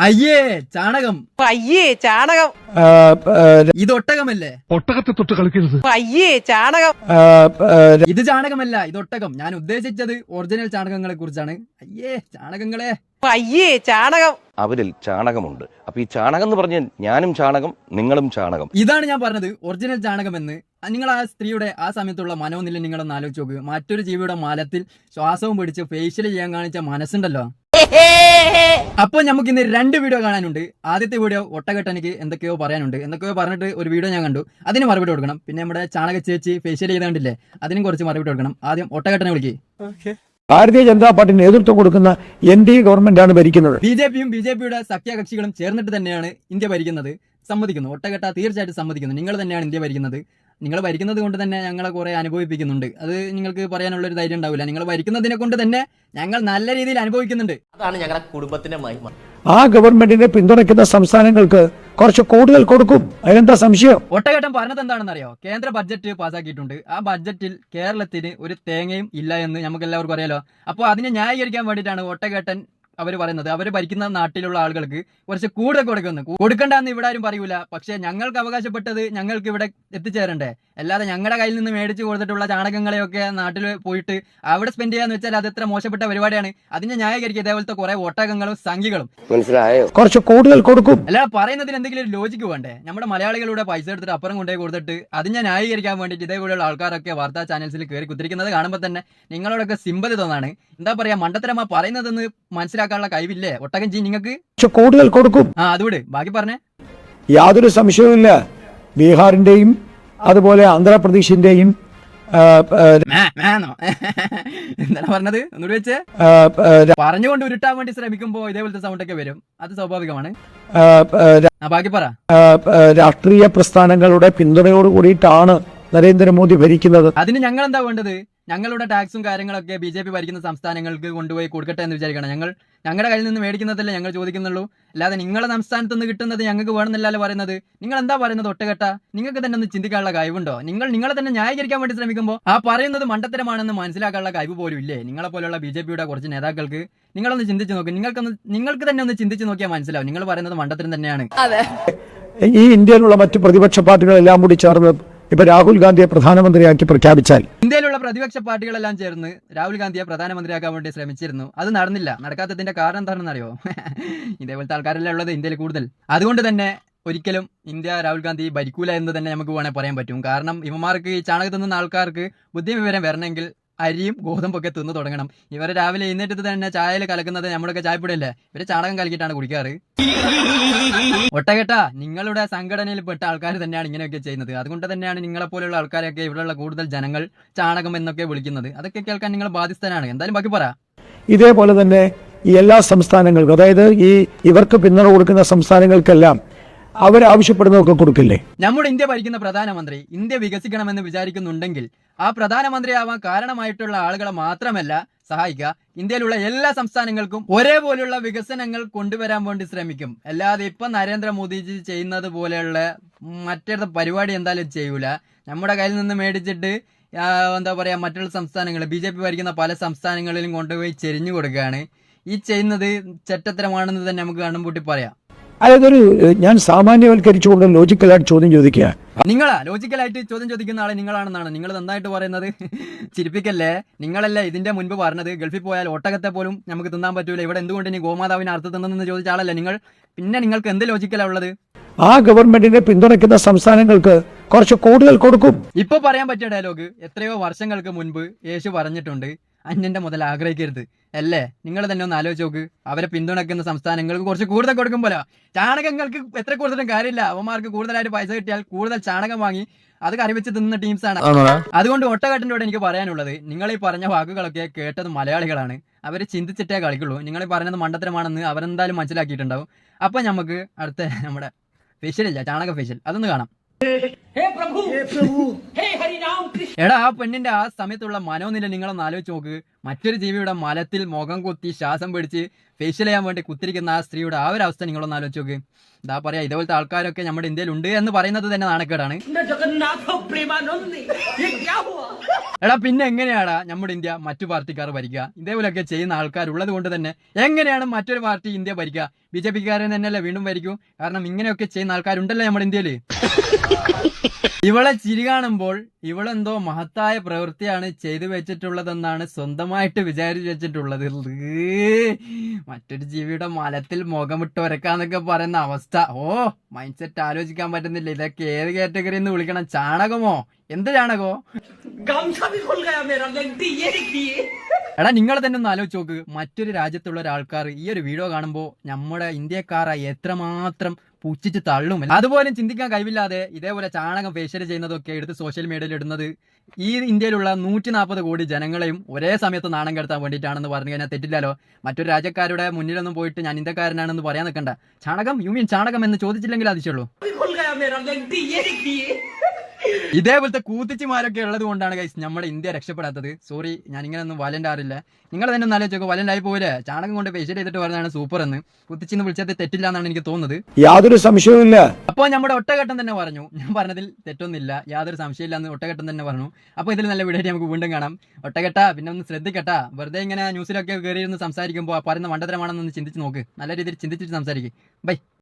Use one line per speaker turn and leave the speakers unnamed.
അയ്യേ ചാണകം.
അയ്യേ ചാണകം.
ഇത് ഒട്ടകമല്ലേ?
ഒട്ടകത്തെ തൊട്ട് കളിക്കരുത്.
അയ്യേ ചാണകം.
ഇത് ചാണകമല്ല, ഇത് ഒട്ടകം. ഞാൻ ഉദ്ദേശിച്ചത് ഒറിജിനൽ ചാണകങ്ങളെ കുറിച്ചാണ്. അയ്യേ ചാണകങ്ങളെ.
അയ്യേ ചാണകം.
അവരിൽ ചാണകമുണ്ട്. അപ്പൊ ഈ ചാണകം എന്ന് പറഞ്ഞാൽ ഞാനും ചാണകം, നിങ്ങളും ചാണകം.
ഇതാണ് ഞാൻ പറഞ്ഞത്, ഒറിജിനൽ ചാണകമെന്ന്. നിങ്ങൾ ആ സ്ത്രീയുടെ ആ സമയത്തുള്ള മനോനില നിങ്ങളൊന്ന് ആലോചിച്ച് നോക്കുക. മറ്റൊരു ജീവിയുടെ മലത്തിൽ ശ്വാസവും പിടിച്ച് ഫേഷ്യൽ ചെയ്യാൻ കാണിച്ച മനസ്സുണ്ടല്ലോ. അപ്പൊ നമുക്ക് ഇന്ന് 2 വീഡിയോ കാണാനുണ്ട്. ആദ്യത്തെ വീഡിയോ ഒട്ടകെട്ടനിക്ക് എന്തൊക്കെയോ പറയാനുണ്ട്, എന്തൊക്കെയോ പറഞ്ഞിട്ട് ഒരു വീഡിയോ ഞാൻ കണ്ടു, അതിന് മറുപടി കൊടുക്കണം. പിന്നെ നമ്മുടെ ചാണക ചേച്ചി ഫേഷ്യൽ ചെയ്താണ്ടില്ലേ, അതിനും കുറച്ച് മറുപടി കൊടുക്കണം. ആദ്യം ഒട്ടകെട്ടനെ വിളിക്ക്.
ഭാരതീയ ജനതാ പാർട്ടി നേതൃത്വം കൊടുക്കുന്ന NDA ഗവൺമെന്റാണ് ഭരിക്കുന്നത്.
ബിജെപിയുടെ സഖ്യകക്ഷികളും ചേർന്നിട്ട് തന്നെയാണ് ഇന്ത്യ ഭരിക്കുന്നത്. സമ്മതിക്കുന്നു, ഒട്ടകെട്ട തീർച്ചയായിട്ടും സമ്മതിക്കുന്നു. നിങ്ങൾ തന്നെയാണ് ഇന്ത്യ ഭരിക്കുന്നത്. നിങ്ങൾ ഭരിക്കുന്നത് കൊണ്ട് തന്നെ ഞങ്ങളെ കുറെ അനുഭവിപ്പിക്കുന്നുണ്ട്. അത് നിങ്ങൾക്ക് പറയാനുള്ള ഒരു ധൈര്യം ഉണ്ടാവില്ല. നിങ്ങൾ ഭരിക്കുന്നതിനെ കൊണ്ട് തന്നെ ഞങ്ങൾ നല്ല രീതിയിൽ അനുഭവിക്കുന്നുണ്ട്.
അതാണ് ഞങ്ങളുടെ കുടുംബത്തിന്റെ മഹിമ.
ആ ഗവൺമെന്റിനെ പിന്തുണയ്ക്കുന്ന സംസ്ഥാനങ്ങൾക്ക് കുറച്ച് കൂടുതൽ കൊടുക്കും, അതിനെന്താ സംശയം?
ഒട്ടകേട്ടൻ പറഞ്ഞത് എന്താണെന്ന് അറിയോ? കേന്ദ്ര ബഡ്ജറ്റ് പാസ്സാക്കിയിട്ടുണ്ട്. ആ ബഡ്ജറ്റിൽ കേരളത്തിന് ഒരു തേങ്ങയും ഇല്ല എന്ന് നമുക്ക് എല്ലാവർക്കും അറിയാലോ. അപ്പോൾ അതിനെ ന്യായീകരിക്കാൻ വേണ്ടിയിട്ടാണ് ഒട്ടകേട്ടൻ അവർ പറയുന്നത് അവർ ഭരിക്കുന്ന നാട്ടിലുള്ള ആളുകൾക്ക് കുറച്ച് കൂടുതൽ കൊടുക്കണ്ടെന്ന് ഇവിടെ ആരും പറയൂല. പക്ഷെ ഞങ്ങൾക്ക് അവകാശപ്പെട്ടത് ഞങ്ങൾക്ക് ഇവിടെ എത്തിച്ചേരണ്ടേ. അല്ലാതെ ഞങ്ങളുടെ കയ്യിൽ നിന്ന് മേടിച്ചു കൊടുത്തിട്ടുള്ള ചാണകങ്ങളെയൊക്കെ നാട്ടിൽ പോയിട്ട് അവിടെ സ്പെൻഡ് ചെയ്യാന്ന് വെച്ചാൽ അത് എത്ര മോശപ്പെട്ട പരിപാടിയാണ്. അതിനെ ന്യായീകരിക്കുക ഇതേപോലത്തെ കുറെ ഒട്ടകങ്ങളും സംഖ്യകളും.
മനസ്സിലായോ?
കുറച്ച് കൂടുതൽ കൊടുക്കും.
അല്ലാതെ പറയുന്നതിന് എന്തെങ്കിലും ഒരു ലോജിക്ക് വേണ്ടേ? നമ്മുടെ മലയാളികളുടെ പൈസ എടുത്തിട്ട് അപ്പുറം കൊണ്ടുപോയി കൊടുത്തിട്ട് അതിനെ ന്യായീകരിക്കാൻ വേണ്ടിയിട്ട് ഇതേപോലെയുള്ള ആൾക്കാരൊക്കെ വാർത്താ ചാനൽസിൽ കയറി കുത്തിരിക്കുന്നത് കാണുമ്പോൾ തന്നെ നിങ്ങളോടൊക്കെ സിമ്പതി തോന്നാണ്. എന്താ പറയാ, മണ്ടത്തരമാ പറയുന്നതെന്ന് മനസ്സിലാക്കാനുള്ള കഴിവില്ലേ ഒട്ടകം ജി നിങ്ങൾക്ക്?
കൂടുതൽ കൊടുക്കും.
അതുകൊണ്ട് ബാക്കി പറഞ്ഞേ.
യാതൊരു സംശയവുമില്ല, ബീഹാറിന്റെയും അതുപോലെ ആന്ധ്രാപ്രദേശിന്റെയും
എന്താണ് പറഞ്ഞത്? ഒന്നുകൂടി വെച്ച് പറഞ്ഞുകൊണ്ട് ഉരുട്ടാൻ വേണ്ടി ശ്രമിക്കുമ്പോ ഇതേപോലത്തെ സൗണ്ട് ഒക്കെ വരും. അത് സ്വാഭാവികമാണ്. ബാക്കി പറ.
രാഷ്ട്രീയ പ്രസ്ഥാനങ്ങളുടെ പിന്തുണയോട് കൂടിയിട്ടാണ് നരേന്ദ്രമോദി ഭരിക്കുന്നത്.
അതിന് ഞങ്ങൾ എന്താ വേണ്ടത്? ഞങ്ങളുടെ ടാക്സും കാര്യങ്ങളൊക്കെ BJP ഭരിക്കുന്ന സംസ്ഥാനങ്ങൾക്ക് കൊണ്ടുപോയി കൊടുക്കട്ടെ എന്ന് വിചാരിക്കണം. ഞങ്ങളുടെ കയ്യിൽ നിന്ന് മേടിക്കുന്നതല്ലേ ഞങ്ങൾ ചോദിക്കുന്നുള്ളൂ. അല്ലാതെ നിങ്ങളുടെ സംസ്ഥാനത്ത് നിന്ന് കിട്ടുന്നത് ഞങ്ങൾക്ക് വേണമെന്നല്ലോ പറയുന്നത്. നിങ്ങൾ എന്താ പറയുന്നത് ഒട്ടകെട്ട? നിങ്ങൾക്ക് തന്നെ ഒന്ന് ചിന്തിക്കാനുള്ള കഴിവുണ്ടോ? നിങ്ങളെ തന്നെ ന്യായീകരിക്കാൻ വേണ്ടി ശ്രമിക്കുമ്പോൾ ആ പറയുന്നത് മണ്ടത്തരമാണെന്ന് മനസ്സിലാക്കാനുള്ള കഴിവ് പോലും ഇല്ലേ നിങ്ങളെ പോലുള്ള BJPയുടെ കുറച്ച് നേതാക്കൾക്ക്? നിങ്ങളൊന്ന് ചിന്തിച്ചു നോക്ക്. നിങ്ങൾക്ക് തന്നെ ഒന്ന് ചിന്തിച്ചു നോക്കിയാൽ മനസ്സിലാവും നിങ്ങൾ പറയുന്നത് മണ്ടത്തരം തന്നെയാണ്.
ഈ ഇന്ത്യയിലുള്ള മറ്റു പ്രതിപക്ഷ പാർട്ടികളെല്ലാം കൂടി ചേർന്ന് ഇപ്പൊ രാഹുൽ ഗാന്ധിയെ പ്രധാനമന്ത്രിയാക്കി പ്രഖ്യാപിച്ചാൽ,
ഇന്ത്യയിലുള്ള പ്രതിപക്ഷ പാർട്ടികളെല്ലാം ചേർന്ന് രാഹുൽ ഗാന്ധിയെ പ്രധാനമന്ത്രിയാക്കാൻ വേണ്ടി ശ്രമിച്ചിരുന്നു. അത് നടന്നില്ല. നടക്കാത്തതിന്റെ കാരണം എന്താണെന്ന് അറിയോ? ഇതേപോലത്തെ ആൾക്കാരെല്ലാം ഉള്ളത് ഇന്ത്യയിൽ കൂടുതൽ. അതുകൊണ്ട് തന്നെ ഒരിക്കലും ഇന്ത്യ രാഹുൽ ഗാന്ധി ഭരിക്കൂല എന്ന് തന്നെ നമുക്ക് വേണേൽ പറയാൻ പറ്റും. കാരണം ഇവന്മാർക്ക് ഈ ചാണകം തിന്നുന്ന ആൾക്കാർക്ക് ബുദ്ധി വിവരം വരണമെങ്കിൽ അരിയും ഗോതമ്പൊക്കെ തിന്നു തുടങ്ങണം. ഇവരെ രാവിലെ എഴുന്നേറ്റ് തന്നെ ചായയിൽ കലക്കുന്നത് നമ്മുടെയൊക്കെ ചായപ്പൊടിയല്ലേ, ഇവര് ചാണകം കലക്കിയിട്ടാണ് കുടിക്കാറ്. ഒട്ടകെട്ട നിങ്ങളുടെ സംഘടനയിൽ പെട്ട ആൾക്കാർ തന്നെയാണ് ഇങ്ങനെയൊക്കെ ചെയ്യുന്നത്. അതുകൊണ്ട് തന്നെയാണ് നിങ്ങളെപ്പോലുള്ള ആൾക്കാരെയൊക്കെ ഇവിടെയുള്ള കൂടുതൽ ജനങ്ങൾ ചാണകം എന്നൊക്കെ വിളിക്കുന്നത്. അതൊക്കെ കേൾക്കാൻ നിങ്ങൾ ബാധ്യസ്ഥനാണ്. എന്തായാലും ബാക്കി പറ.
ഇതേപോലെ തന്നെ ഈ എല്ലാ സംസ്ഥാനങ്ങൾക്കും, അതായത് ഇവർക്ക് പിന്തുണ കൊടുക്കുന്ന സംസ്ഥാനങ്ങൾക്കെല്ലാം അവരാവശ്യപ്പെടുന്നതൊക്കെ കൊടുക്കില്ലേ?
നമ്മുടെ ഇന്ത്യ ഭരിക്കുന്ന പ്രധാനമന്ത്രി ഇന്ത്യ വികസിക്കണമെന്ന് വിചാരിക്കുന്നുണ്ടെങ്കിൽ ആ പ്രധാനമന്ത്രിയാവാൻ കാരണമായിട്ടുള്ള ആളുകളെ മാത്രമല്ല സഹായിക്കുക, ഇന്ത്യയിലുള്ള എല്ലാ സംസ്ഥാനങ്ങൾക്കും ഒരേപോലുള്ള വികസനങ്ങൾ കൊണ്ടുവരാൻ വേണ്ടി ശ്രമിക്കും. അല്ലാതെ ഇപ്പൊ നരേന്ദ്രമോദിജി ചെയ്യുന്നത് പോലെയുള്ള മറ്റൊരു പരിപാടി എന്തായാലും ചെയ്യൂല. നമ്മുടെ കയ്യിൽ നിന്ന് മേടിച്ചിട്ട് എന്താ പറയാ, മറ്റുള്ള സംസ്ഥാനങ്ങൾ BJP ഭരിക്കുന്ന പല സംസ്ഥാനങ്ങളിലും കൊണ്ടുപോയി ചെരിഞ്ഞു കൊടുക്കുകയാണ്. ഈ ചെയ്യുന്നത് ചെറ്റത്തരമാണെന്ന് തന്നെ നമുക്ക് കണ്ണും പറയാം.
അതൊരു ഞാൻ സാമാന്യവൽക്കരിച്ചുകൊണ്ട് ലോജിക്കലായിട്ട് ചോദ്യം ചോദിക്കുക.
നിങ്ങളാ ലോജിക്കലായിട്ട് ചോദ്യം ചോദിക്കുന്ന ആളെ നിങ്ങളാണെന്നാണ് നിങ്ങൾ നന്നായിട്ട് പറയുന്നത്. ചിരിപ്പിക്കല്ലേ. നിങ്ങളല്ലേ ഇതിന്റെ മുൻപ് പറഞ്ഞത് ഗൾഫിൽ പോയാൽ ഒട്ടകത്തെ പോലും നമുക്ക് തിന്നാൻ പറ്റൂല, ഇവിടെ എന്തുകൊണ്ട് ഇനി ഗോമാതാവിനെ അർത്ഥം തിന്നെന്ന് ചോദിച്ച ആളല്ലേ നിങ്ങൾ. പിന്നെ നിങ്ങൾക്ക് എന്ത് ലോജിക്കലാ ഉള്ളത്?
ആ ഗവൺമെന്റിനെ പിന്തുണയ്ക്കുന്ന സംസ്ഥാനങ്ങൾക്ക് കുറച്ച് കൂടുതൽ കൊടുക്കും.
ഇപ്പൊ പറയാൻ പറ്റിയ ഡയലോഗ് എത്രയോ വർഷങ്ങൾക്ക് മുൻപ് യേശു പറഞ്ഞിട്ടുണ്ട്, അന്യന്റെ മുതൽ ആഗ്രഹിക്കരുത് അല്ലേ? നിങ്ങൾ തന്നെ ഒന്ന് ആലോചിച്ച് നോക്ക്. അവരെ പിന്തുണയ്ക്കുന്ന സംസ്ഥാനങ്ങൾക്ക് കുറച്ച് കൂടുതൽ കൊടുക്കുമ്പോഴോ ചാണകങ്ങൾക്ക് എത്ര കൂടുതലും കാര്യമില്ല. അവന്മാർക്ക് കൂടുതലായിട്ട് പൈസ കിട്ടിയാൽ കൂടുതൽ ചാണകം വാങ്ങി അത് കറിവെച്ച് തിന്നുന്ന ടീംസാണ്. അതുകൊണ്ട് ഒട്ടകെട്ടിനോട് എനിക്ക് പറയാനുള്ളത്, നിങ്ങൾ ഈ പറഞ്ഞ വാക്കുകളൊക്കെ കേട്ടത് മലയാളികളാണ്. അവർ ചിന്തിച്ചിട്ടേ കളിക്കുള്ളൂ. നിങ്ങൾ ഈ പറഞ്ഞത് മണ്ടത്തരമാണെന്ന് അവരെന്തായാലും മനസ്സിലാക്കിയിട്ടുണ്ടാവും. അപ്പൊ നമുക്ക് അടുത്ത നമ്മുടെ ഫേഷ്യൽ ഇല്ല, ചാണക ഫേഷ്യൽ, അതൊന്ന് കാണാം.
हे प्रभु हे हरि राम
എടാ ആ പെണ്ണിന്റെ ആ സമയത്തുള്ള മനോനില നിങ്ങളൊന്ന് ആലോചിച്ച് നോക്ക്. മറ്റൊരു ജീവിയുടെ മലത്തിൽ മുഖം കുത്തി ശ്വാസം പിടിച്ച് ഫേഷ്യൽ ചെയ്യാൻ വേണ്ടി കുത്തിരിക്കുന്ന ആ സ്ത്രീയുടെ ആ ഒരു അവസ്ഥ നിങ്ങളൊന്ന് ആലോചിച്ച് നോക്ക്. എന്താ പറയാ, ഇതേപോലത്തെ ആൾക്കാരൊക്കെ നമ്മുടെ ഇന്ത്യയിൽ ഉണ്ട് എന്ന് പറയുന്നത് തന്നെ നാണക്കേടാണ്. എടാ പിന്നെ എങ്ങനെയാടാ നമ്മുടെ ഇന്ത്യ മറ്റു പാർട്ടിക്കാർ ഭരിക്കുക? ഇതേപോലെയൊക്കെ ചെയ്യുന്ന ആൾക്കാരുള്ളത് കൊണ്ട് തന്നെ എങ്ങനെയാണ് മറ്റൊരു പാർട്ടി ഇന്ത്യ ഭരിക്കുക? BJP-കാരൻ തന്നെയല്ലേ വീണ്ടും ഭരിക്കൂ? കാരണം ഇങ്ങനെയൊക്കെ ചെയ്യുന്ന ആൾക്കാരുണ്ടല്ലോ നമ്മുടെ ഇന്ത്യയില്. ഇവളെ ചിരി കാണുമ്പോൾ ഇവളെന്തോ മഹത്തായ പ്രവൃത്തിയാണ് ചെയ്തു വെച്ചിട്ടുള്ളതെന്നാണ് സ്വന്തമായിട്ട് വിചാരിച്ചു വെച്ചിട്ടുള്ളത്. മറ്റൊരു ജീവിയുടെ മലത്തിൽ മുഖമിട്ട് ഒരക്കാന്നൊക്കെ പറയുന്ന അവസ്ഥ. മൈൻഡ് സെറ്റ് ആലോചിക്കാൻ പറ്റുന്നില്ല. ഇതൊക്കെ ഏത് കാറ്റഗറി എന്ന് വിളിക്കണം? ചാണകമോ? എന്ത് ചാണകമോ? എടാ നിങ്ങൾ തന്നെ ഒന്ന് ആലോചിച്ച് നോക്ക്. മറ്റൊരു രാജ്യത്തുള്ള ഒരാൾക്കാർ ഈ ഒരു വീഡിയോ കാണുമ്പോൾ നമ്മുടെ ഇന്ത്യക്കാരെ എത്രമാത്രം പുച്ഛിച്ച് തള്ളും. അതുപോലും ചിന്തിക്കാൻ കഴിവില്ലാതെ ഇതേപോലെ ചാണകം ഫേഷ്യൽ ചെയ്യുന്നതൊക്കെ എടുത്ത് സോഷ്യൽ മീഡിയയിൽ ഇടുന്നത് ഈ ഇന്ത്യയിലുള്ള 140 കോടി ജനങ്ങളെയും ഒരേ സമയത്ത് നാണം കെടുത്താൻ വേണ്ടിയിട്ടാണെന്ന് പറഞ്ഞു കഴിഞ്ഞാൽ തെറ്റില്ലല്ലോ. മറ്റൊരു രാജ്യക്കാരുടെ മുന്നിലൊന്നും പോയിട്ട് ഞാൻ ഇന്ത്യക്കാരനാണെന്ന് പറയാൻ നിൽക്കണ്ട. ചാണകം യു മീൻ ചാണകം എന്ന് ചോദിച്ചില്ലെങ്കിൽ അതിശയുള്ളൂ. ഇതേപോലത്തെ കൂത്തിച്ചിമാരൊക്കെ ഉള്ളത് കൊണ്ടാണ് ഗൈസ് നമ്മുടെ ഇന്ത്യ രക്ഷപ്പെടാത്തത്. സോറി, ഞാൻ ഇങ്ങനെ ഒന്നും വയലന്റ് ആറില്ല. നിങ്ങൾ തന്നെ ഒന്ന് ആലോചിച്ചോ, വയലന്റ് ആയി പോലെ ചാണകം കൊണ്ട് ഫേഷ്യൽ ചെയ്തിട്ട് പറഞ്ഞാണ് സൂപ്പർ എന്ന്. കുത്തിച്ചിന്ന് വിളിച്ചത് തെറ്റില്ല എന്നാണ് എനിക്ക് തോന്നുന്നത്.
യാതൊരു സംശയവുമില്ല.
അപ്പോൾ നമ്മുടെ ഒട്ടഘട്ടം തന്നെ പറഞ്ഞു, ഞാൻ പറഞ്ഞതിൽ തെറ്റൊന്നുമില്ല, യാതൊരു സംശയമില്ല എന്ന് ഒട്ടഘട്ടം തന്നെ പറഞ്ഞു. അപ്പോൾ ഇതിൽ നല്ല വീഡിയോ നമുക്ക് വീണ്ടും കാണാം. ഒട്ടഘട്ട പിന്നെ ഒന്ന് ശ്രദ്ധിക്കട്ടാ, വെറുതെ ഇങ്ങനെ ന്യൂസിലൊക്കെ കയറിയിരുന്ന് സംസാരിക്കുമ്പോൾ പറയുന്ന മണ്ടത്തരമാണെന്നൊന്ന് ചിന്തിച്ച് നോക്ക്. നല്ല രീതിയിൽ ചിന്തിച്ചിട്ട് സംസാരിക്കും. ബൈ.